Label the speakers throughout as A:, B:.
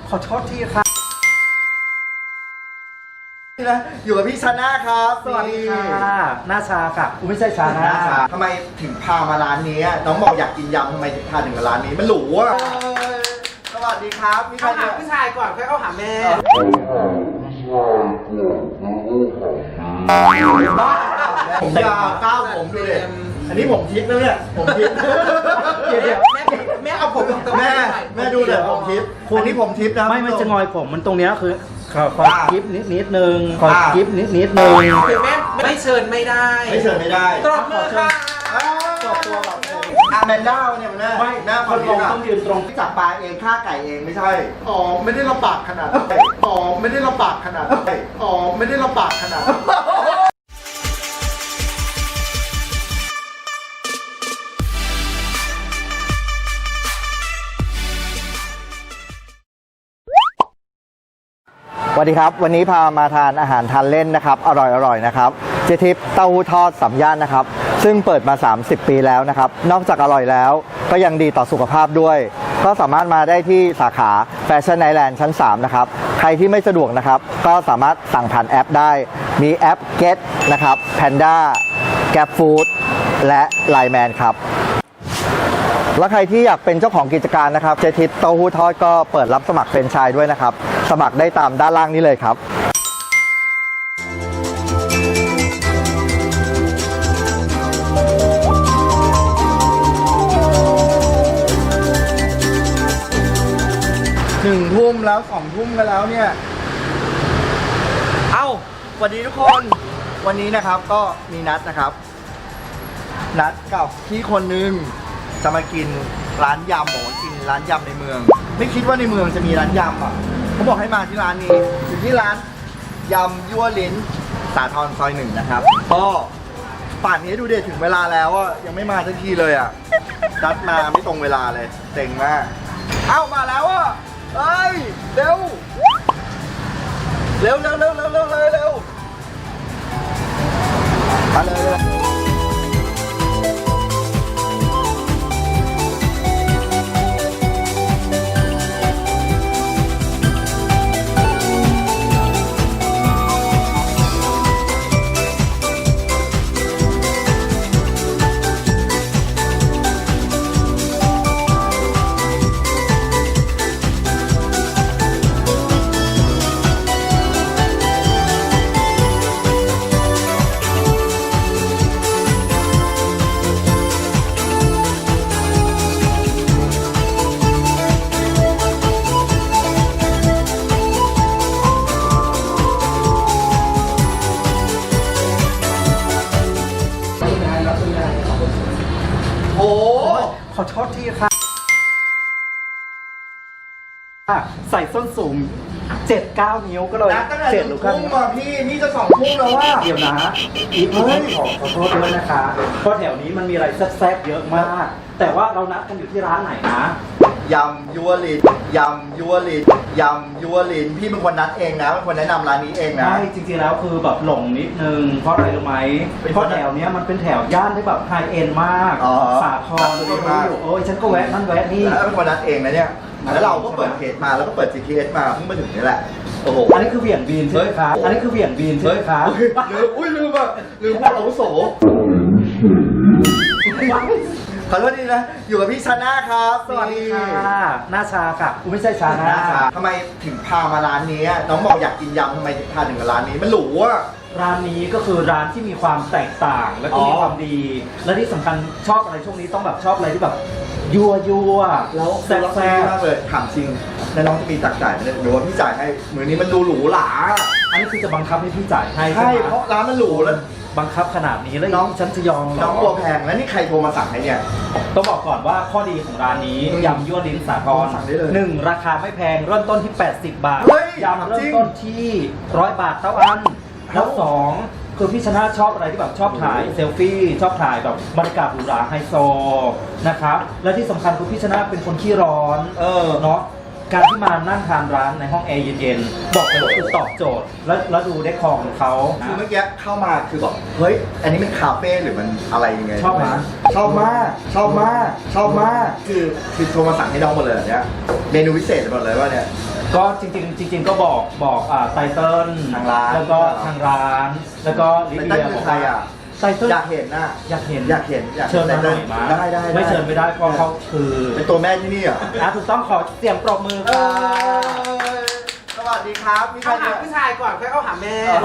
A: ขอโทษทีครับ
B: นะอยู่กับพี่ชาน่าครับ
A: สวัสดีค่ะหน้าชาค่ะกูไม่ใช่ชาน่า
B: ทำไมถึงพามาร้านนี้น้องบอกอยากกินยำทำไมถึงพาถึงร้านนี้มันหรูอ่ะสวัสดีครับมีใคร
A: เข้าหาผู้ชายก่อนค่อยเข้าหาแม่
B: ผมยาวก้าวผมดูเลยอันนี้ผมทิพย์นะเนี่ยผมทิพย์
A: เดี๋ยวแม่เอาผม
B: แม่ดูเลยผมทิพย์อันนี้ผมทิพย์นะ
A: ไม่จะงอยผมมันตรงเนี้ยคือขอกิฟนิดนึงขอกิฟนิดนึงคือแม่ไม่เชิญไม่ได้
B: ตบมือค่ะตบตัวแบบอาแมนด้าเนี่ยมัน
A: ไม่
B: หน้า
A: คนลงต้องยืนตรง
B: จับปลาเองฆ่าไก่เองไม่ใช่
C: อ๋อไม่ได้ลำบากขนาดนั้นอ๋อไม่ได้ลำบากขนาดนั้นอ๋อไม่ได้ลำบากขนาดนั้น
B: สวัสดีครับวันนี้พามาทานอาหารทานเล่นนะครับอร่อยนะครับเจทิปเต้าหู้ทอดสามย่านนะครับซึ่งเปิดมา30 ปีแล้วนะครับนอกจากอร่อยแล้วก็ยังดีต่อสุขภาพด้วยก็สามารถมาได้ที่สาขาแฟชั่นไอแลนด์ชั้น3นะครับใครที่ไม่สะดวกนะครับก็สามารถสั่งผ่านแอปได้มีแอป Get นะครับ Panda Grab Food และ Line Man ครับแล้วใครที่อยากเป็นเจ้าของกิจการนะครับเจทิปเต้าหู้ทอดก็เปิดรับสมัครแฟรนไชส์ด้วยนะครับสมัครได้ตามด้านล่างนี้เลยครับ1 ทุ่มแล้ว2 ทุ่มกันแล้วเนี่ยสวัสดีทุกคนวันนี้นะครับก็มีนัดนะครับนัดกับพี่คนนึงจะมากินร้านยำบอกว่ากินร้านยำในเมืองไม่คิดว่าในเมืองจะมีร้านยำอ่ะเขาบอกให้มาที่ร้านนี้อยู่ที่ร้านยำยั่วลิ้นสาทรซอย1นะครับก็ป่านนี้ดูเด็ดถึงเวลาแล้วอ่ะยังไม่มาสักทีเลยอ่ะนัดมาไม่ตรงเวลาเลยเซ็งมากมาแล้วอ่ะเอ้ยเร็วมาเลย
A: ขอโทษทีค่ะใส่ส้นสูง 7-9 นิ้วก็เลย
B: 7 หรือ9 นิ้วพี่นี่จะ2 ทุ่มแล้วว่า
A: เดี๋ยวนะอีฟขอโทษด้วยนะคะเพราะแถวนี้มันมีอะไรแซ่บๆเยอะมากแต่ว่าเรานัดกันอยู่ที่ร้านไหนนะ
B: ยำยั่วลิ้นพี่เป็นคนนัดเองนะเป็นคนแนะนำร้านนี้เองนะ
A: ใช่จริงๆแล้วคือแบบหลงนิดนึงเพราะอะไรรู้ไหมเพราะแถวนี้มันเป็นแถวย่านที่แบบไฮเอ็นมากสาทรเลยมากโอ้ยฉันก็แวะนั่นแวะนี่
B: แล้วเป็นคนนัดเองนะเนี่ยแล้วเราก็เปิดเพจมาแล้วก็เปิด GPS มาเพิ่งมาถึงนี่แหละโอ้โห
A: อันนี้คือเหวี่ยงบีนใช่ไหมครับอันนี้คือเหวี่ยงบีนใช่ไหมครับ
B: ลืมพูดอาวุโสขอโทษดีนะอยู่กับพี่ชาน่าครับ
A: สวัสดีค่ะหน้าชาค่ะกูไม่ใช่ชาน่า
B: ทำไมถึงพามาร้านนี้น้องบอกอยากกินยำทำไมถึงพาถึงร้านนี้มันหรูอ่ะ
A: ร้านนี้ก็คือร้านที่มีความแตกต่างและก็มีความดีและที่สำคัญชอบอะไรช่วงนี้ต้องแบบชอบอะไรที่แบบยั่ว
B: แล้วแซ่บมากเลยถามจริงแล้วน้องจะมีตักจ่ายไหมหรือว่าพี่จ่ายให้มือนี้มันดูหรูหรา
A: อันนี้คือจะบังคับให้พี่จ่ายให้
B: ใช่เพราะร้านมันหรูแล้ว
A: บังคับขนาดนี้แล้วน้องฉันจะยอม
B: น้องตัวแพงแล้วนี่ใครโทรมาสั่งให้เนี่ย
A: ต้องบอกก่อนว่าข้อดีของร้านนี้ยำยั่วลิ้นสาทร1ราคาไม่แพงเริ่มต้นที่80 บาทยำเริ่มต้นที่100 บาทเท่าอันแล้ว2คือพี่ชนะชอบอะไรที่แบบชอบถ่ายเซลฟี่ชอบถ่ายแบบบรรยากาศหรูหราไฮโซนะครับและที่สำคัญคือพี่ชนะเป็นคนขี้ร้อนเนาะ การที่มานั่งทานร้านในห้องแอร์เย็นๆบอกเลยว่าคือตอบโจทย์แล้วดูได้ของเขา
B: คือเมื่อกี้เข้ามาคือบอกเฮ้ยอันนี้เป็นคาเฟ่หรือมันอะไรยังไง
A: ชอบไหม
B: ชอบมากชอบมากชอบมากคือโทรมาสั่งให้น้องหมดเลยเนี่ยเมนูพิเศษหมดเลยว่าเนี่ย
A: ก็จริงๆก็บอกไตเติ้ล
B: ทางร้าน
A: แล้วก็ทางร้าน แล้วก็ลิ
B: ไต
A: เดี
B: เติ้ล
A: ย
B: คือใครอ่ะ
A: ไตเติ้ล
B: อยากเห็นนะ
A: อยากเห็น
B: อยาก
A: เชิญมาหน่อยมา
B: ได้
A: ไม่เชิญไม่ได้เพราะเขาคือ
B: เป็นตัวแม่ที่นี่เหรอ
A: ถูกต้องขอเสียงปรบมือค่ะ
B: สวัสดีครับมีใคร
D: เข้าหาผู้ชายก่อนค่อยเข้าหาแม่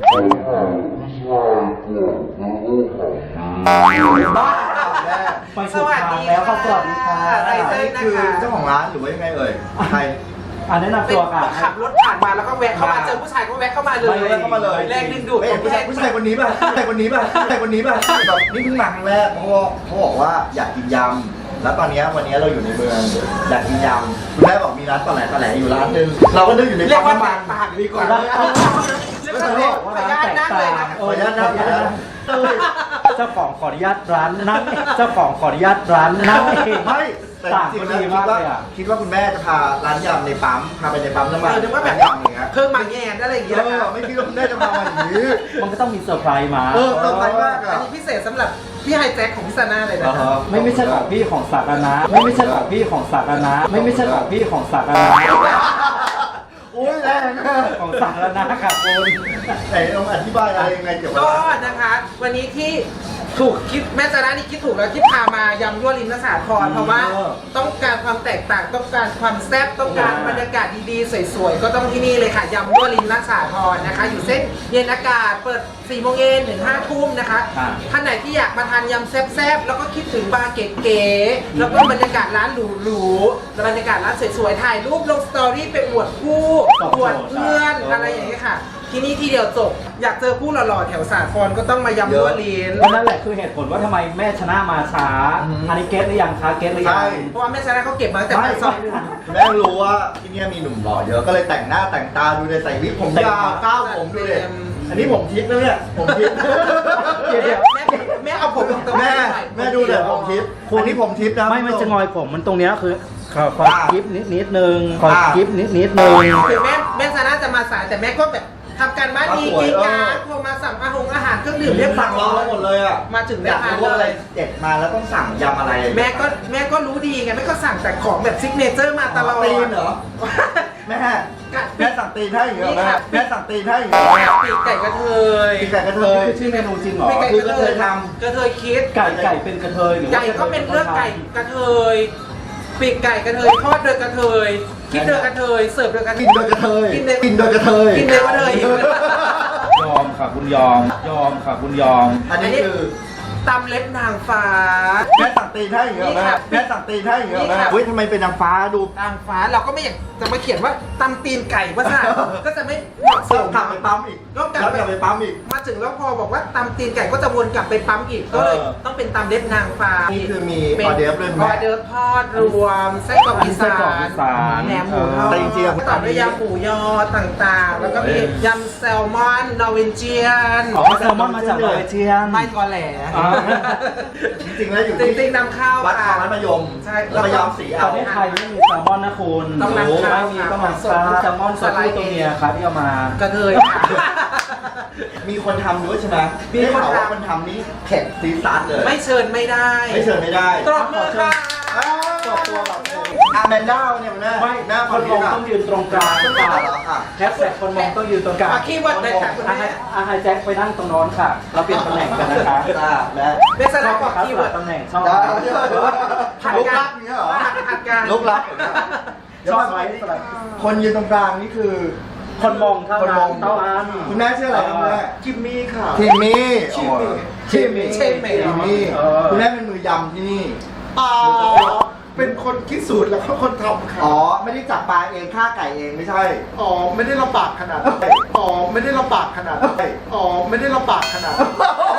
B: บ้าแม่
A: ไปสุดทางแล้วครับสวัสดีค่ะ
D: ไตเติ้ล
B: นี่คือเจ้าของร้านหรือว่ายังไงเอ่ยใคร
A: แนะนำ
D: เป็น
A: ตัวค่ะ
D: ขับรถผ่านมาแล้วก็แวะเข้ามาเจอผู้ชายก็แวะเข้ามาเลย
B: ไม่เข้ามาเลย
D: แรงดึงดูด
B: ไม่เห็นผู้ชายคนนี้ป่ะผู้ชายคนนี้ป่ะผู้ชายคนนี้ป่ะแบบนี่เพิ่งมาครั้งแรกเพราะว่าเขาบอกว่าอยากกินยำแล้วตอนนี้วันนี้เราอยู่ในเมืองอยากกินยำคุณแม่บอกมีร้านตอแหลอยู่ร้านนึงเราก็นึกอยู่ใน
D: เรียกว่า
B: ปั๊ม
D: ปา
B: น้ำ
D: ก
B: มัน
D: ปากดีกว่า
A: แล้ว
D: เรียกว่าเรียกขออนุญาตนั่งเลยนะ
B: ขออนุญาตนะขออนุญาตนะ
A: เจ้าของขออนุญาตร้านนั่งเจ้าของขออนุญาตร้านนั่งเอง
B: ไม่แต่
A: ต่าง
B: จริ
A: ก็
B: งๆ
A: ดี
B: แล้ว
A: มากเลยอ่ะ
B: คิดว่าคุณแม่จะพาร้านยำในปั๊มพาไปในปั๊มน้ำมัน
D: นึกว่าแบบ
B: ร้นยำอย่างเงี้ย
D: เครื่องมาแงนอะไรอย่างเงี้ยนะคะ
B: ไม่คิดว่าคุณแม่จะพามาอย่างนี้
A: มันก็ต้องมีเซอร์ไพรส์มา
B: เซอร์ไพรส์มาก
D: อั
B: อ่ะ
D: นนี้พิเศษสำหรับพี่ไฮแจ็คของพี่ซาน่าเลยนะคะ
A: ไม่ใช่ของพี่ของสาธารณะไม่ใช่ของพี่ของสาธารณะไม่ใช่ของพี่ของสาธารณะ
B: โอ้ยแรงอะ
A: ของสาธารณะค่ะคุณ
B: ไหนลองอธิบายอะไรยังไงเกี่ยวกับ
D: ก็
B: ร้าน
D: นะคะ วันนี้ที่ถูกคิดแม่ซาน่านี่คิดถูกแล้วที่พามายำยั่วริมนสาครเพราะว่าต้องการความแตกต่างต้องการความแซ่บต้องการบรรยากาศดีๆสวยๆก็ต้องที่นี่เลยค่ะยำยั่วริมนสาครนะคะ อยู่เส้นเย็นอากาศเปิด4 โมงเย็นถึง5 ทุ่มนะคะท่านไหนที่อยากมาทานยำแซ่บๆแล้วก็คิดถึงบาร์เก๋ๆแล้วก็บรรยากาศร้านหรูๆและบรรยากาศร้านสวยๆถ่ายรูปลงสตอรี่ไปอวดคู่อวดเพื่อนอะไรอย่างเงี้ยค่ะ ที่นี่ที่เดียวจบอยากเจอผู้หล่อๆแถวสาครก็ต้องมายำยั่วลิน
A: เพราะนั่นแหละคือเหตุผลว่าทำไมแม่ชนะมาช้าอันนี้เก็ตหรือยังคะเก็ตหรือยัง
D: เพราะว่าแม่ชนะเขาเก็บมาตั้งแต่
B: ไม่
D: ปีสอง
B: คุณแม่รู้ว่าที่นี่มีหนุ่มหล่อเยอะก็เลยแต่งหน้าแต่งตาดูเลยใส่วิกผมยาวก้าวผมดูเลยอันนี้ผมทิพย์นะเนี่ยผมทิพย์
D: แม่เอาผมตรงๆ
B: แม่ดูเลยผมทิพย์อันนี้ผมทิพย์นะ
A: ไม่จะงอยผมมันตรงเนี้ยคือขอกิฟนิดนึงขอกิฟนิดนึง
D: คือแม่ชนะจะมาสายแต่แม่ก็แบบทำการบ้านดีกินการโทรมาสั่งอาหารเครื่องดื่มเรียบร้
B: สั่งรอ
D: อ
B: เรา
D: ย
B: หมดเลยอ่ะ
D: มาถึง
B: อยาก
D: ได้ทาน
B: รู้ว่าอะไร
D: เลย
B: เด็ดมาแล้วต้องสั่งยำอะไร
D: แม่ก็รู้ดีไงแม่ก็สั่งแต่ของแบบซิกเนเจอร์มาตลอด
B: ตีนเหรอแม่สั่งตีนให้อย่างเงี้ยแม่สั่งตีนให้อย่างเงี้ย
D: ปีกไก่กระเทย
B: ปีกไก่กระเทย
A: คือชื่อเมนูจริงเหรอ
D: ปีกไก่
B: คือก
D: ระ
B: ระ
D: เท
B: เท
D: ย
B: ยท
D: กระเทยคิด
A: ไก่เป็นกระเทยหรือว่า
D: ไก่ก็เป็นเรื่องไก่กระเทยปีกไก่กระเทยทอดโดยกระเทยคิดโดยกระเทยเสิร์ฟโดยกระเท
B: กิ
D: ย
B: นโดยกระเทย
D: กินโดย
B: กินโดยกระเทย
D: กินโดยกระเทย
A: ยอมค่ะคุณยอมค่ะคุณยอม
B: อันนี้คือ
D: ตำเล็บนางฟ้า
B: แม่สั่งตีนให้อย่างเงี้ย
D: นี่
B: แม่
D: ค่ะ
B: แม่สั่งตีนให้อย่างเงี้ย
D: นี่
B: แม่
D: ค่ะ
B: เฮ้ยทำไมเป็นนางฟ้าดู
D: นางฟ้าเราก็ไม่อยากจะมาเขียนว่าตำตีนไก่ว่าซะก็จะไม่เหมาะส
B: ต้อง
D: ม
B: กลับไปปั๊มอีก
D: ต้องกลับ
B: แล้วกลับไปปั๊มอีก
D: มาถึงแล้วพอบอกว่าตำตีนไก่ก็จะวนกลับไปปั๊มอีกก็เลยต้องเป็นตำเล็บนางฟ้า
B: นี่คือมี
D: ป็น
B: ออเดิร์ฟด้วยไหม
D: ออเดิร์ฟทอดรวมไส้กรอกอี
A: ไส้
D: สาก
A: รอกอี
D: น
A: สาน
D: แหนมหมูทอด
B: แต่จริงๆอะ
D: ต่อด้วยยำหมูยอต่างๆ แล้วก็มียำแซลมอนนอร์เวเจียน
A: อ๋อแซลมอนมาจากนอร์เวเจียน
D: ไม่กอแหล
A: อ๋อ
B: จริงๆแล้วอยู่
D: จ
B: ที่
D: ริงๆนำเข้า
B: วัดคลอง
D: ค่ะ
B: รัฐมยม
D: ใช่
B: แล้วก็ย้อมสี
A: ป
B: เอา
A: ระเทศไทยไม่มีแซลมอนนะคุณ
D: ต้องนำเข้า
A: ไม่มีต้องนำเข้าแซลมอนสดที่ตัวเมียครับที่เอามา
D: กระเทยค่ะ
B: มีคนทำด้วยใช่ไหม
D: มีคนทำ
B: ได้ข่าวว่าคนทำนี้เผ็ดซีซัสเลย
D: ไม่เชิญไม่ได้
B: ไม่เชิญไม่ได้
D: ตบมือค่ะ
B: จบตัวแบบอาแมนด้าเนี่ยมันน่า
A: ไม่
B: หน้า
A: คนมองต้องยืนตรงกลาง
B: ต้องการเหรอค่ะ
A: แฮชแท็กคนมองต้องยืนตรงกลาง
D: มาคีย์เวิร์ดเลยค่ะคุณแม่
A: ไฮแจ็คไปนั่งตรงโน้นค่ะ เราเปลี่ยนตำแหน่งกันนะคะ
B: และ
D: เบสนาบอกคีย์เวิร์ด
A: ตำแหน่งชอบ
B: ลุกลักอย่างเงี้ยเหรอ
D: ผัดกัน
B: ลุกลักเดี๋ยว
A: ชอ
B: ก่
A: บ
B: อน
A: ไหมสลับ
B: คนยืนตรงกลางนี่คือ
A: คนมองเท่า
B: คนม
A: นั้
B: อน ง
A: เท่านั้น
B: คุณแม่ชื่ออะไรครับคุณแม่
C: จิมมี่ค่ะ
B: ทิมมี่
C: ชิมมี่
B: ทิมมี่
D: ชิมมี่
B: ทิมมี่คุณแม่เป็นมือยำที่นี่
C: เป็นคนคิดสูตรแล้วก็คนทำค่ะ
B: อ๋อ ไม่ได้จับปลาเองฆ่าไก่เองไม่ใช่
C: อ๋อ ไม่ได้ลำบากขนาดนั้นอ๋อ ไม่ได้ลำบากขนาดนั้นอ๋อ ไม่ได้ลำบากขนาดนั้น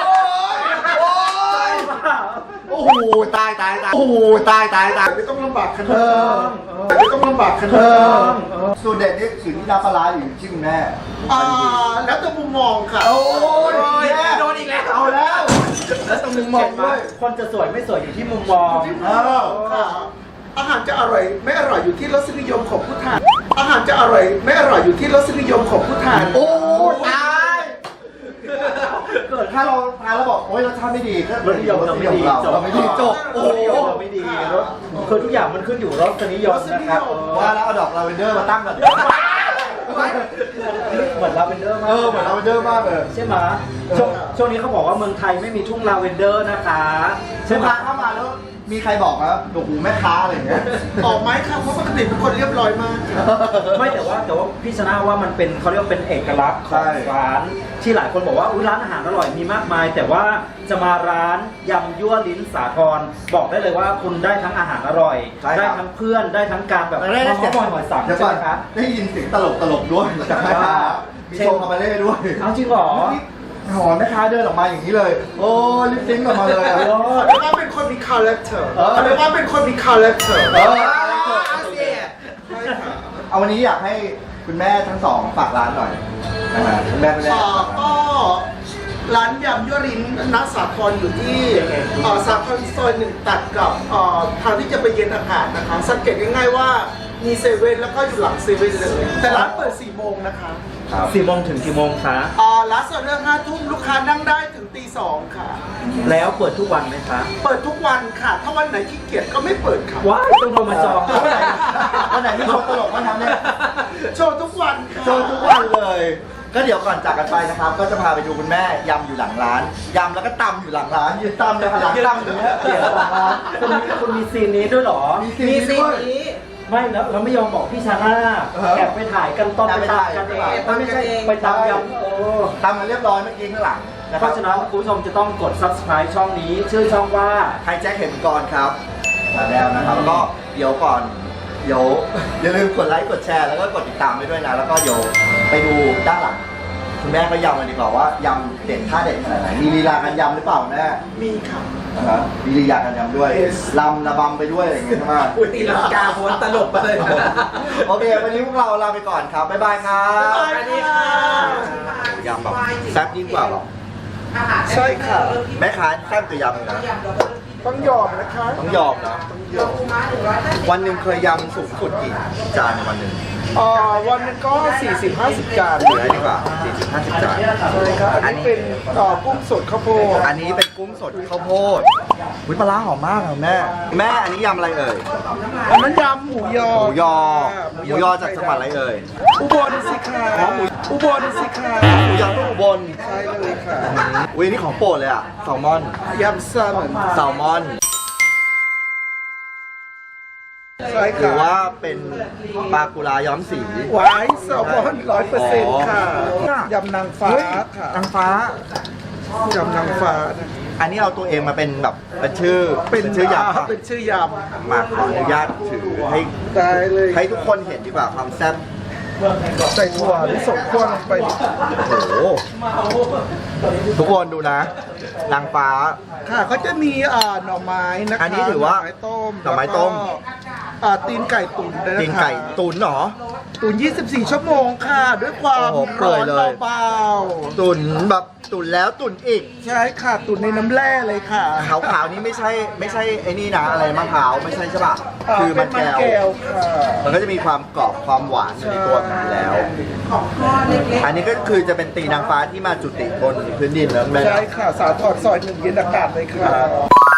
B: โอ้โหตายโอ้โหตาย
C: ไม่ต้องลำบากขนาดนั้นไม่ต้องลำบากขนาดนั้น
B: สูตรเด็ดนี่อยู่ที่น้ำปลาร้าอยู่ที่คุณแม่
C: แล้วแต่มุมมองค่ะ
B: โอ้ย
D: โดนอีกแล้ว
B: เอาแล้ว แล้วตรงมุมมองด้วย
A: คนจะสวยไม่สวยอยู่ที่มุมมอง
C: ค่ะอาหารจะอร่อยไม่อร่อยอยู่ที่รสนิยมของผู้ทาน อาหารจะอร่อยไม่อร่อยอยู่ที่รสนิยมของผู้ทาน
B: โอ้ตายเกิดถ้าเราทานแล้วบอกโอ๊ยรสชาติไม่ดีก็
A: รสนิยมเราไม่ดี
B: เราไม่ดีจบโอ้โห
A: เราไม่ดีรสคือทุกอย่างมันขึ้นอยู่รสนิยมนะครับ
B: ว่าแล้วเอาดอกลาเวนเดอร์มาตั้งก่อน
A: เหมือนลาเวนเดอร์มาก
B: เหมือนลาเวนเดอร์มากเลย
A: ใช่ไหมช่วงนี้เขาบอกว่าเมืองไทยไม่มีทุ่งลาเวนเดอร์นะคะใช่
B: ลูก
A: ไหม
B: ค้าเข้ามาแล้วมีใครบอกนะโอ้โหแม่ค้าอะไรอย่างเงี้ย
C: ออกไหมครับเพราะปกติเป็นคนเรียบร้อยมาก
A: ไม่แต่ว่าพี่ชนะว่ามันเป็นเขาเรียกว่าเป็นเอกลักษณ์ของร้านที่หลายคนบอกว่าร้านอาหารอร่อยมีมากมาย แต่ว่าจะมาร้านยำยั่วลิ้นสาทรบอกได้เลยว่าคุณได้ทั้งอาหารอร่อย ได้ทั้งเพื่อนได้ทั้งการแบบ
B: ได้เสียง
A: หอยสัง
B: เดี๋ยว
A: ใช่
B: ก่อ
A: ไห
B: น
A: มคะ
B: ได้ยินเสียงตลกด้วยจากแม่ค้ามีโชว์คาบาเล่ด้วย
A: เอาจริงเหรอ
B: หอแม่ค้าเดินออกมาอย่างนี้เลย โอ้ลิปซิงค์ออกมาเลยอะ
C: เรียกว่าเป็นคนมีคาแรคเตอร์
B: เออ
C: เรียกว่าเป็นคนมีคาแรคเตอร์
B: เอาวันนี้อยากให้คุณแม่ทั้งสองฝากร้านหน่อยนะฮะคุณแม่ฝากร้าน
C: ก็ร้านยำยั่วลิ้นนักสาทรอยู่ที่สาทรซอยหนึ่งตัดกับทางที่จะไปเย็นอากาศนะคะสังเกตง่ายๆว่ามีเซเว่นแล้วก็อยู่หลังเซเว่นเลย แต่ร้านเปิด 4 โมงนะคะ
B: ครับ
A: 4 โมงถึงกี่โมงคะ
C: ร้านเปิดเรื่อง5 ทุ่มลูกค้านั่งได้ถึงตี 2 ค่ะ
A: แล้วเปิดทุกวันไหมคะ
C: เปิดทุกวันค่ะ ถ้าวันไหนขี้เกียจก็ไม่เปิดค่ะ
A: ว้ายต้องโทรมาจอง
B: วันไหนมีโชว์ตลกมาทำเนี่ย
C: โชว์ทุกวันค่ะ
B: โชว์ทุกวันเลย ก็เดี๋ยวก่อนจากกันไปนะครับ ก็จะพาไปดูคุณแม่ยำอยู่หลังร้านยำแล้วก็ตำอยู่หลังร้านยืนตำเลยค่ะหลังตำอยู่เนี่ย
A: เดี๋ยวหลังร้านคุณมีซีนนี้ด้วยเหรอ
B: มี
D: มี
B: ซี
D: สิ่
B: น
D: ง
B: ด้วย
D: นี้
A: ไม่แล้วเราไม่ยอมบอกพี่ชาน่าแอบไปถ่ายกันตอนไปตามกันเองไม่ใช่ไปตามยำ
B: ตำมาเรียบร้อยเมื่อกี้ข้างหลังนะ
A: เพ
B: ครับ
A: ราะฉะนั้นคุณผู้ชมจะต้องกด subscribe ช่องนี้ ชื่อช่องว่า
B: ไฮแจ็คเข็มกรครับมาแล้วนะครับแล้วก็เดี๋ยวก่อนอย่าลืมกดไลค์กดแชร์แล้วก็กดติดตามไปด้วยนะแล้วก็เดี๋ยวไปดูด้านหลังคุณแม่ก็ยำกันดีกว่าว่ายำเด็ดท่าเด็ดขนาดไหนมีลีลาการยำหรือเปล่าแม่
C: มีค่ะ
B: นะครับมีลีลาการยำด้วยลำระบำไปด้วยอะไรอย่างเงี้ยใช่ไหม
D: อุ้ยตีลังกาโหนตลบไปเลย
B: โอเควันนี้พวกเราลาไปก่อนครับบ๊ายบายครับ
C: บ๊ายบายค่ะ
B: ยำแบบแซ่บยิ่งกว่าหรอ
C: ใช่ค่ะ
B: แม่ค้าแซ่บตัวยำนะ
C: ต้องยอมนะคะ
B: ต้องยอมนะวันหนึ่งเคยยำสูงสุดกี่จานในวันหนึ่ง
C: วันนึงก็ 40-50 จาน
B: เหลือดีกว่า40-50 จาน
C: ใช่ครับอันนี้เป็นกุ้งสดข้าวโพด
B: อันนี้เป็นกุ้งสดข้าวโพดอุ๊ยปลาร้าหอมมากค่ะแม่ แม่อันนี้ยำอะไรเอ่ย
C: อันนั้นยำหมูยอ
B: หมูยอ หมูยอจากจังหวัดอะไรเอ่ย
C: อุบลสิค่ะ
B: อ๋อหมู
C: อุบลสิค่ะ
B: หมูยอลูกอุบล
C: ใช่เลยค่ะ
B: อุ้ยนี่ของโปรดเลยอ่ะแซลมอน
C: ยำแซลมอน
B: แซลมอน
C: ใช่
B: หรือ
C: ค่ะ
B: ว่าเป็นปลากุลาย้อมสี
C: หวายแซลมอน100%ค่ะ ยำนางฟ้า
B: เฮ้ย
C: ค่ะ
B: นางฟ้า
C: ยำนางฟ้านะ
B: อันนี้เอาตัวเองมาเป็นแบบเป็นชื่อชื่อยำปะ
C: เป็นชื่อย
B: มาขออนุญาตถือให้
C: ำได้เลย
B: ให้ทุกคนเห็นดีกว่าความแซ่บ
C: ใส่ถั่วลิสงคั่วลงไป
B: โอ้โห ทุกคนดูนะ นางฟ้า
C: ค่ะเขาจะมีหน่อไม้นะคะ
B: อันนี้ถือว่า
C: หน่อไม้ต้ม
B: หน่อไม้ต้ม
C: แล้วก็ตีนไก่ตุ๋นด้วยนะคะ
B: ตีนไก่ตุ๋นเหรอ
C: ตุ๋น24 ชั่วโมงค่ะ ด้วยความ
B: โอ้โหเปื่
C: ร้
B: อ
C: อย น
B: เลย
C: เบา
B: ตุ๋นแบบตุ๋นแล้วตุ๋นอีก
C: ๆใช่ค่ะ ตุ๋นในน้ำแร่เลยค่ะ
B: ขาวๆนี่ไม่ใช่ไอ้นี่นะอะไรมะพร้าวไม่ใช่ใช่ป่ะคือมัน
C: เป็น
B: แก้ว
C: ค่ะ
B: มันก็จะมีความกรอบความหวานอยู่ในตัวมันอยู่แล้ว อันนี้ก็คือจะเป็นตีนางฟ้าที่มาจุติบนพื้นดินแล้วแม่
C: ใช่ค่ะ สาทรซอย1 เย็นอากาศเลยค่ะ